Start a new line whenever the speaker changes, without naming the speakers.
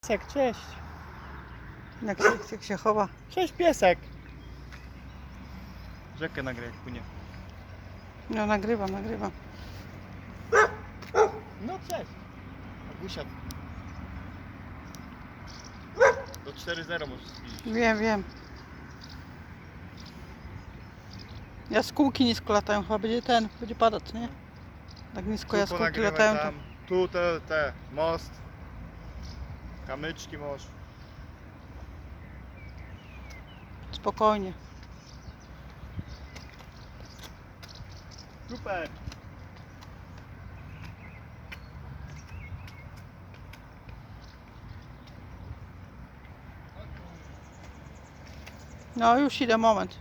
Piesek, cześć.
Jak się chowa.
Cześć piesek. Rzekę nagraj jak płynie.
No nagrywam.
No cześć. Agusiat. Do 4-0 możesz zbliżyć.
Wiem. Jaskółki nisko latają, chyba będzie padać, nie? Tak nisko jaskółki
ponagrywaj
latają, to
tam. Tu te most. Kamyczki możesz.
spokojnie.
Super.
No już idę, moment.